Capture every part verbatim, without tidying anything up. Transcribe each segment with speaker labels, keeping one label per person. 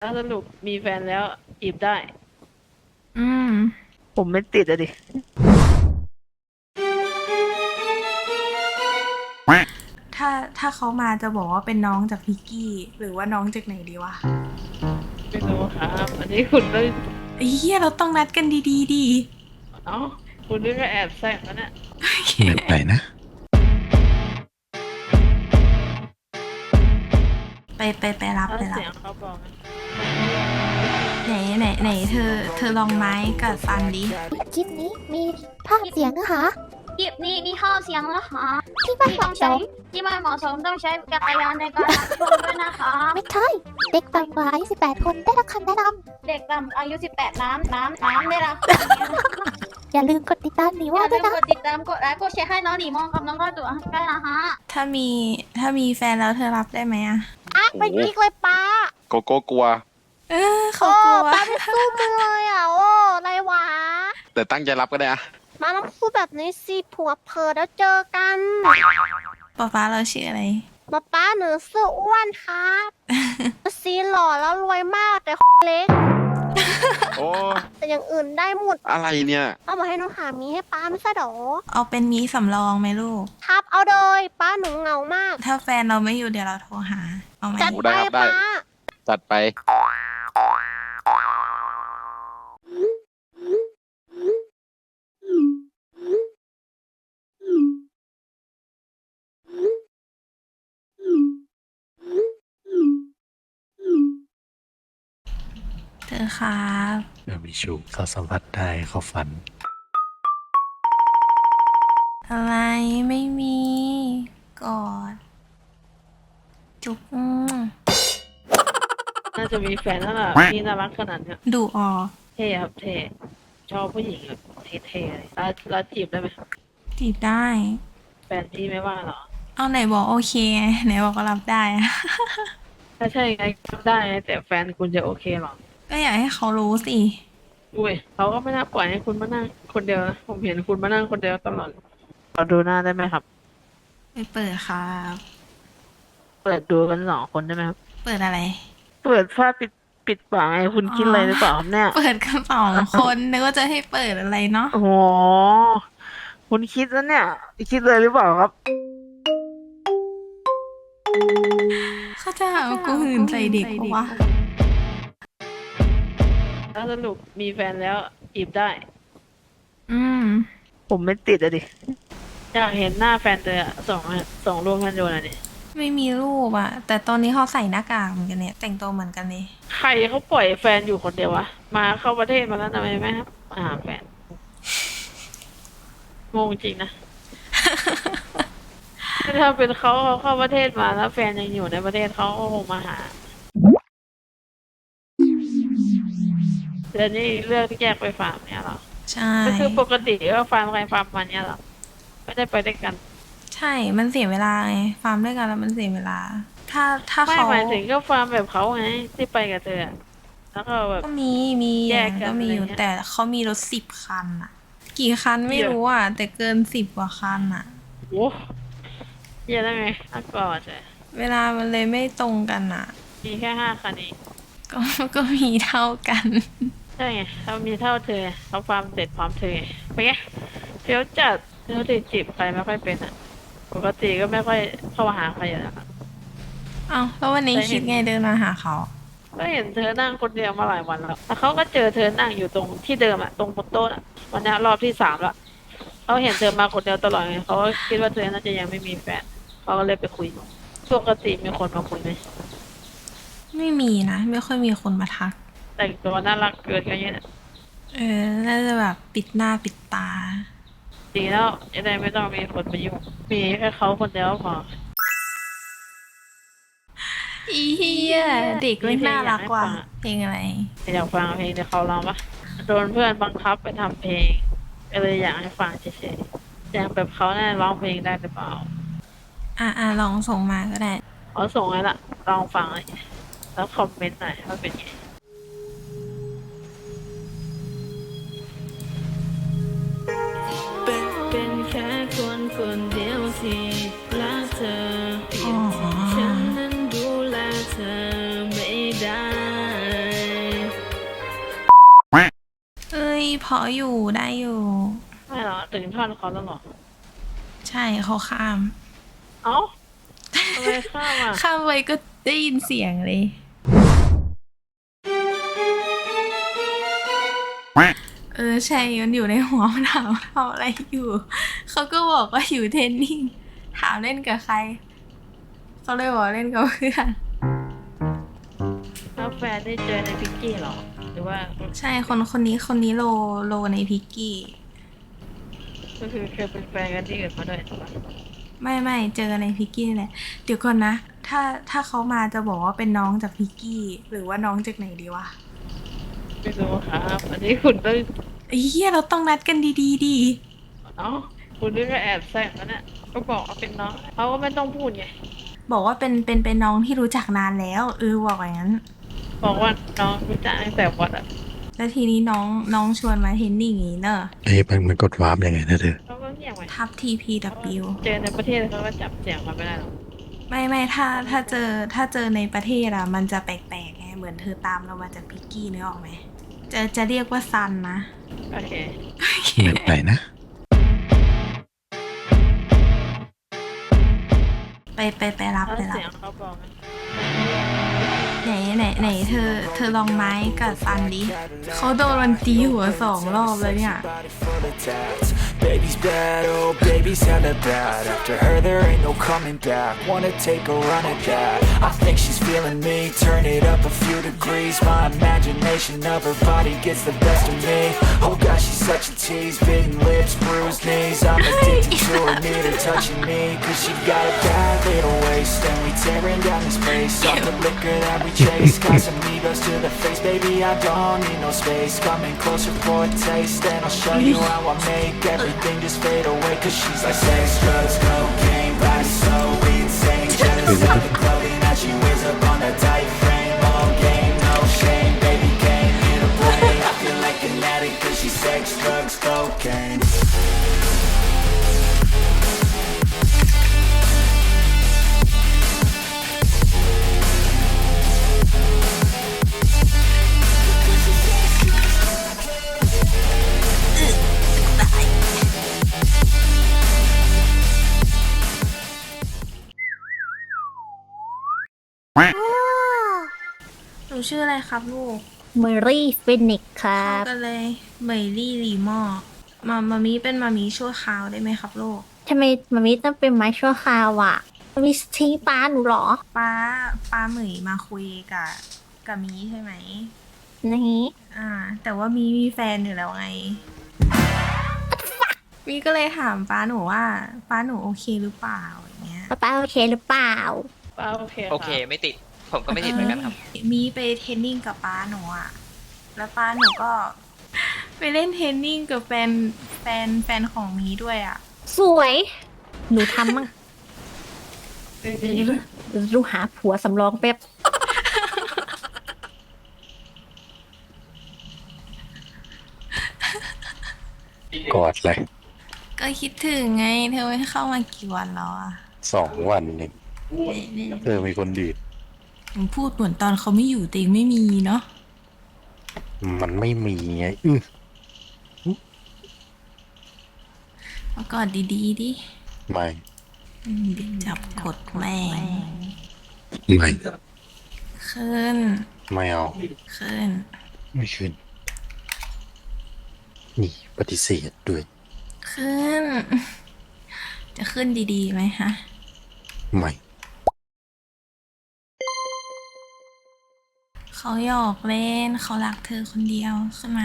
Speaker 1: ถ้าสรุปมีแฟนแล้วจีบได้
Speaker 2: อืม
Speaker 1: ผมไม่ติดอะดิ
Speaker 2: ถ้าถ้าเขามาจะบอกว่าเป็นน้องจากพิกกี้ หรือว่าน้องจากไหนดีวะ
Speaker 1: ไม่รู้ครับ อันนี้คุณต้อง
Speaker 2: ไอ้เหี้ยเราต้องนัดกันดีๆดี
Speaker 1: เอ้าคุณนี่ก็แอบแซงแล้วเนี่ย
Speaker 3: เหนื่อยไปนะ
Speaker 2: ไปไปไปรับ
Speaker 1: ถ้า
Speaker 2: ไปรั
Speaker 1: เสีย
Speaker 2: บ
Speaker 1: งเขาบอกนะ
Speaker 2: ไหนไหนไหนเธอ เธอลองไม้กับฟันดิ
Speaker 4: คลิปนี้มีภาพเสียงนะคะ
Speaker 5: คลิปนี้มีข้อเสียงนะคะ
Speaker 4: ที่ไม่
Speaker 5: ที่
Speaker 4: เห
Speaker 5: ต้อ
Speaker 4: มาะ
Speaker 5: ง
Speaker 4: ส
Speaker 5: ใช้
Speaker 4: ม
Speaker 5: ที่ไม่เหมาะสมต้องใช้จักรยานในการรับชมด้วยนะคะ
Speaker 4: ไม่ใช่ เด็กต่ำกว่าอายุสิบแปดคนได้รับคำแนะน
Speaker 5: เด็กต่ำอายุ สิบแปด น้ำน้ำน้ำได้รับ
Speaker 4: ำอย่าลืมกดติดตามหนี
Speaker 5: อ
Speaker 4: ว่า
Speaker 5: ย่า
Speaker 4: ด้
Speaker 5: ลื
Speaker 4: วย
Speaker 5: ม
Speaker 4: นะ
Speaker 5: กดติดตามกดไลค์กดแชร์ให้น้องหนีมองกับน้องก็ตัวด้วยนะคะ
Speaker 2: ถ้ามีถ้ามีแฟนแล้วเธอรับได้ไหมอะ
Speaker 4: อ่ะไปยิกเลยป้า
Speaker 3: โกโก้กลัว
Speaker 2: เออเขากลัว
Speaker 4: ป้าไม่สู้มือเลยอ่ะ โอ้ไรวะ
Speaker 3: แต่ตั้งใจรับก็ได้อะ
Speaker 4: มาต้องพูดแบบนี้สิผัวเพอแล้วเจอกัน
Speaker 2: ป๊าป๊าเราชื่ออะไร
Speaker 4: มาป้าหนูซื้ออ้วนครับซีหล่อแล้วรวยมากแต่เล็ก
Speaker 3: โอ้
Speaker 4: แต่อย่างอื่นได้หมด
Speaker 3: อะไรเนี่ย
Speaker 4: เอามาให้หนูหามีให้ป้าไม่ใช่หรอ
Speaker 2: เอาเป็นมีสำรองไหมลูก
Speaker 4: ครับเอาโดยป้าหนูเหงามาก
Speaker 2: ถ้าแฟนเราไม่อยู่เดี๋ยวเราโทรหา เอาไหม
Speaker 4: จัด
Speaker 3: โอ้
Speaker 4: ไป
Speaker 3: ได้ครับได้
Speaker 4: ป้า
Speaker 3: จัดไป
Speaker 2: เธอครับ
Speaker 6: เมื่อมีชูเขาสัมผัสได้เขาฝัน
Speaker 2: อะไรไม่มีกอดจุ๊บอืม
Speaker 1: น่าจะมีแฟนแล้วล่ะนี่น่ารักขนาดเนี้ย
Speaker 2: ดูออ
Speaker 1: เท่ครับเท่ชอบผู้หญิงแบบเท่ๆเลยแล้วแล้วจีบได้ไหม
Speaker 2: จีบได้
Speaker 1: แฟนพี่ไม่ว่าหรอ
Speaker 2: เอาไหนบอกโอเคไงไหนบอกก็รับได้อะ
Speaker 1: ถ้าใช่ไงก็ได้ไงแต่แฟนคุณจะโอเคหรอ
Speaker 2: ก็อยากให้เขารู้สิ
Speaker 1: อุ้ยเขาก็ไม่น่าปล่อยให้คุณมานั่งคนเดียวนะผมเห็นคุณมานั่งคนเดียวตลอดเราดูหน้าได้ไหมครับ
Speaker 2: ไปเปิดครับ
Speaker 1: เปิดดูกันสองคนได้ไหมครับ
Speaker 2: เปิดอะไร
Speaker 1: เปิดผ้าปิดปิดปากไงคุณคิดอะไรหรือเปล่าครับเนี่ย
Speaker 2: เปิดกันสองคนนึกว่าจะให้เปิดอะไรเนาะ
Speaker 1: โอ้โหคุณคิดแล้วเนี่ย คิดเลยหรือเปล่าครับ
Speaker 2: เขาจะหาว่ากูหื่นใจเด็กปะวะ
Speaker 1: ถ้าสรุปมีแฟนแล้วจีบได้
Speaker 2: อืม
Speaker 1: ผมไม่ติดอะดิ อยากเห็นหน้าแฟนเธออะส่งมาส่งรูปให้ดูหน่อยดิ
Speaker 2: ไม่มีรูปอะแต่ตอนนี้เขาใส่หน้ากากเหมือนกันเนี่ย แต่งตัวเหมือนกันเลย
Speaker 1: ใครเขาปล่อยแฟนอยู่คนเดียววะ มาเข้าประเทศมาแล้วทำไมไม่ครับมาหาแฟน งงจริงนะ ถ้าเป็นเขาเขาเข้าประเทศมาแล้วแฟนยังอยู่ในประเทศเขาก็คงมาหาเดี๋ยวนี้เลือกที่แยกไปฟาร์มเนี่ยเหรอ
Speaker 2: ใช่
Speaker 1: ก็คือปกติก็ฟาร์มใครฟาร์มมันเนี่ยเหรอ ไม่ได้ไปด้วยกัน
Speaker 2: ใช่ มันเสียเวลาไง ฟาร์มด้วยกันแล้วมันเสียเวลา ถ้าถ้า
Speaker 1: ไม่
Speaker 2: เขา
Speaker 1: หมายถึงก็ฟาร์มแบบเขาไงที่ไปกับเธออะแล้วก็แบบ
Speaker 2: ก็มี มี
Speaker 1: แย
Speaker 2: อก ย่าง
Speaker 1: กัน
Speaker 2: ก็มีอยู่
Speaker 1: อะไรเงี้ย
Speaker 2: แต่เขามีรถสิบคันอะกี่คันไม่
Speaker 1: เยอะ
Speaker 2: รู้อะแต่เกินสิบกว่าคันอะ
Speaker 1: โอ้เยอะได้ไงน่ากลัวจ้ะ
Speaker 2: เวลามันเลยไม่ตรงกันอะ
Speaker 1: มีแค่ห้าคันเอง
Speaker 2: ก็ ก็มีเท่ากัน
Speaker 1: ใช่ไงเขามีเท่าเธอเขาฟาร์มเสร็จพร้อมเธอไงไปนไงเฟี้ยวจัดเฟี้ยวติดจีบใครไม่ค่อยเป็นอ่ะ ปกติก็ไม่ค่อยเข้ามาหาใครอยู่แล้วอะ
Speaker 2: เอ้าแล้ววันนี้
Speaker 1: ได้เห็น
Speaker 2: คิดไงเดินมาหาเขา
Speaker 1: ก็เห็นเธอนั่งคนเดียวมาหลายวันแล้วแล้วเขาก็เจอเธอนั่งอยู่ตรงที่เดิมอ่ะตรงบนโต๊ะอะวันนี้รอบที่สามแล้วเขาเห็นเธอมาคนเดียวตลอดไงเขาก็คิดว่าเธอน่าจะยังไม่มีแฟนเขาก็เลยไปคุยปกติมีคนมาคุยไหม
Speaker 2: ไม่มีนะ ไม่ค่อยมีคนมาทัก
Speaker 1: แต่งตัวน่ารักเกินกันเนี่ย
Speaker 2: เออ น่าจะแบบปิดหน้าปิดตา
Speaker 1: ดีแล้วจะได้ไม่ต้องมีคนมายุ่งมีแค่เขาคนเดียวก็พอ
Speaker 2: อีเฮียเด็กไม่น่ารักว่ะเพลงอะไร
Speaker 1: อยากฟังเพลงเดี๋ยวเขาร้องปะโดนเพื่อนบังคับไปทำเพลงก็เลยอยากให้ฟังเฉยๆอย่างแบบเขาเนี่ยร้องเพลงได้หรือเปล่า
Speaker 2: อ่ะอ่ะลองส่งมาก็ได้
Speaker 1: เขาส่งให้ละลองฟังเลยแล้วคอมเมนต์หน่อยว่าเป็นไงเป็นเป็นแค่คนคนเดียวที่รักเธอ
Speaker 2: อ๋อ
Speaker 1: ฉันนั้นดูแลเธอไม่ได้
Speaker 2: ออยู่ได้อยู่
Speaker 1: ไม่หรอถึงท่อนเขาแล้วหรอ
Speaker 2: ใช่เขาข้าม
Speaker 1: เอ้าทำไมข้ามอ่ะ
Speaker 2: ข้ามไปก็ได้ยินเสียงเลย เออใช่มันอยู่ในหัวมันถามว่าทำอะไรอยู่ เขาก็บอกว่าอยู่เทรนนิ่ง ถามเล่นกับใคร เขาเลยบอกเล่นกับเพื่อน
Speaker 1: แล้วแฟนได้เจอในพิกกี้หรอ หรือว่า
Speaker 2: ใช่คนคนนี้คนนี้โลโลในพิกกี้
Speaker 1: ก็คือเคยเป็นแฟนกันที่อื่นมาด้วยถูกปะ
Speaker 2: ไม่ไม่เจอในพิกกี้นี่แหละ เดี๋ยวก่อนนะ ถ้าถ้าเขามาจะบอกว่าเป็นน้องจากพิกกี้ หรือว่าน้องจากไหนดีวะ
Speaker 1: ไม่รู้ครับอันนี้คุณต้อง
Speaker 2: ไอ้เหี้ยเราต้องนัดกันดีๆดี
Speaker 1: เอ้าคุณนี่ก็แอบแซงแล้วเนี่ยก็บอกว่าเป็นน้องเขาก็ไม่ต้องพูดไง
Speaker 2: บอกว่าเป็นเป็นเป็นน้องที่รู้จักนานแล้วเออบอกอย่างนั้น
Speaker 1: บอกว่าน้องรู้จักตั้งแต่วัดอ่ะ
Speaker 2: แล้วทีนี้น้องน้องชวนมาเทรนนิ่งอย่างนี้เนอะ
Speaker 6: เอ้ยมันมันกดวาร์ปยังไงนะเธอ
Speaker 1: เขาก็เงียบไว้
Speaker 2: ทับ ที พี ดับเบิลยู
Speaker 1: เจอในประเทศเขาก็จับเสียงมาไม่ได้หรอก
Speaker 2: ไม่ไม่ถ้าถ้าเจอถ้าเจอในประเทศอะมันจะแปลกๆไงเหมือนเธอตามเรามาจากพิกกี้นึกออกไหมจะจะเรียกว่าซันนะ
Speaker 1: โอเค
Speaker 6: แบบไหนนะ
Speaker 2: ไปไปไปรับ
Speaker 1: แล้ว
Speaker 2: ไปรับ
Speaker 1: เสียงเขาบอกไหม
Speaker 2: ไหนไหนไหนเธอเธอลองไม้กับซันดิเขาโดนมันตีหัวสองรอบเลยเนี่ย
Speaker 7: Baby's bad, oh baby's hella bad. After her there ain't no coming back. Wanna take a run at that. I think she's feeling me. Turn it up a few degrees. My imagination of her body gets the best of me. Oh gosh, she's such a tease. Bitten lips, bruised knees. I'm addicted to her, need her touching me. Cause she got a bad little waist. And we tearing down this place. Off the liquor that we chase. Got some egos to the face, baby. I don't need no space. Coming closer for a taste. And I'll show you how I make everything just fade away. Cause she's like sex, drugs, cocaine. Body so insane. Jealous of the clothing that she wears up on a tight frame. All game, no shame. Baby came here to play. I feel like an addict cause she's sex, drugs, cocaine.
Speaker 4: Oh
Speaker 2: หนูชื่ออะไรครับลูก
Speaker 4: เมอรี่ฟินิกครั
Speaker 2: เข้า
Speaker 4: บ
Speaker 2: กันเลยเหมยลี่หลีหมอมามามีเป็นมามีชั่วคราวได้ไหมครับลูก
Speaker 4: ทำไมมามิต้องเป็นไม้ชั่วคราวอ่ะมามิทิ้งป้าหนูเหรอ
Speaker 2: ป้าป้าเหมยมาคุยกับกับมีใช่ไหม
Speaker 4: นี่
Speaker 2: อ่า แต่ว่ามีมีแฟนอยู่แล้วไง มีก็เลยถามป้าหนูว่าป้าหนูโอเคหรือเปล่าอย่างเงี้ย
Speaker 4: ป้าป้าโอเคหรือเปล่า
Speaker 1: ป้าโอเค
Speaker 8: โอเคไม่ติด ผมก็ไม่ติดเหมือนกันครับ
Speaker 2: มีไปเทรนนิ่งกับป้าหนูอ่ะ แล้วป้าหนูก็ ไปเล่นเทรนนิ่งกับแฟนแฟนแฟนของมีด้วยอ่ะ
Speaker 4: สวย หนูทำมั่งเดี๋ยวเดี๋ยวดูหาผัวสำรองแป๊บ
Speaker 6: กอดเลย
Speaker 2: ก็คิดถึงไง เธอไม่เข้ามากี่วันแล้วอ่ะ
Speaker 6: สองวันหนึ่งเธอมีคนดีด
Speaker 2: มึงพูดเหมือนตอนเขาไม่อยู่แต่ยังไม่มีเนาะ
Speaker 6: มันไม่มีไงอื้อ
Speaker 2: มากอดดีๆดิ
Speaker 6: ไม่
Speaker 2: อืมเดี๋ยวจับกดแม่ง
Speaker 6: ไม่
Speaker 2: ขึ้น
Speaker 6: ไม่เอา
Speaker 2: ขึ้น
Speaker 6: ไม่ขึ้น นี่ปฏิเสธด้วย
Speaker 2: ขึ้น จะขึ้นดีๆไหมฮะ
Speaker 6: ไม่
Speaker 2: เขาหยอกเล่น เขารักเธอคนเดียวขึ้นมา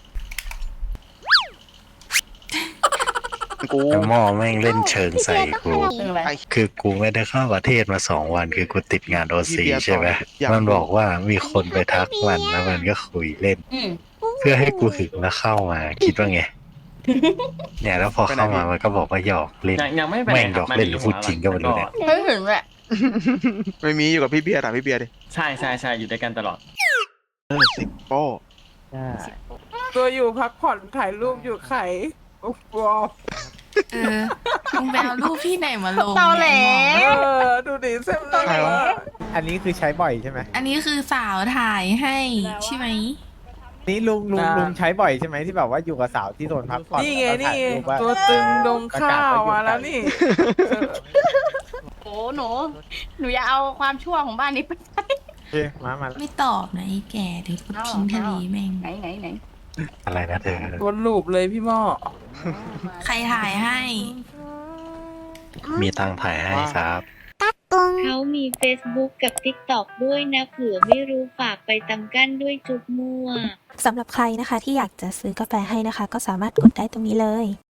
Speaker 3: กู
Speaker 6: ไอ้หม้อแม่งเล่นเชิงใส่กู
Speaker 1: เรื่องอะไร
Speaker 6: คือกูไม่ได้เข้าประเทศมาสองวัน คือกูติดงานโอซีใช่ไหม
Speaker 3: อยาก
Speaker 6: มันบอกว่ามีคนไปทักมันแล้วมันก็คุยเล่น เพื่อให้กูหึงแล้วเข้ามา คิดว่าไง เนี่ยแล้วพอเข้ามามันก็บอกว่าหยอกเล่น
Speaker 9: ยังยังไม่ไป
Speaker 6: แม่ง
Speaker 9: ไหน
Speaker 6: หยอกเล่นหรือพูดจริงก็ไม่รู้เนี่ย
Speaker 1: ไม่ถึงแหละ
Speaker 3: ไม่มีอยู่กับพี่เบียร์ถามพี่เบียร์ดิ
Speaker 9: ใช่ใช่ใช่อยู่ด้วยกันตลอด
Speaker 3: เออสิโป้
Speaker 10: ตัวอยู่พักผ่อนถ่ายรูปอยู่ไข่โอ้โห
Speaker 2: เออมึงไปเอารูปที่ไหนมาลง
Speaker 1: เตาแหล
Speaker 2: เนี่ย
Speaker 10: เออ ดูดิเส้นตลอด
Speaker 11: อันนี้คือใช้บ่อยใช่ไหม
Speaker 2: อันนี้คือสาวถ่ายให้ใช่ไหม
Speaker 10: นี่ลุงลุงลุงใช้บ่อยใช่ไหมที่แบบว่าอยู่กับสาวที่โซนพักผ่อนนี่ไงนี่ตัวตึงดงข้าวมาแล้วนี่
Speaker 5: โอ้หนูหนูอย่าเอาความชั่วของบ้านนี้ไป
Speaker 10: มามา
Speaker 2: ไม่ตอบนะไอ้แก่เดี๋ยวกูทิ้งทะเลแม่ง
Speaker 5: ไหนไหนไหน
Speaker 6: อะไรนะเธอ
Speaker 10: วนลูปเลยพี่หม้อ
Speaker 2: ใครถ่ายให้
Speaker 6: มีตังค์ถ่ายให้ครับ
Speaker 11: เขามี Facebook กับ TikTok ด้วยนะเผื่อไม่รู้ฝากไปตำกั้นด้วยจุดมั่ว
Speaker 12: สำหรับใครนะคะที่อยากจะซื้อกาแฟให้นะคะ ก็สามารถกดได้ตรงนี้เลย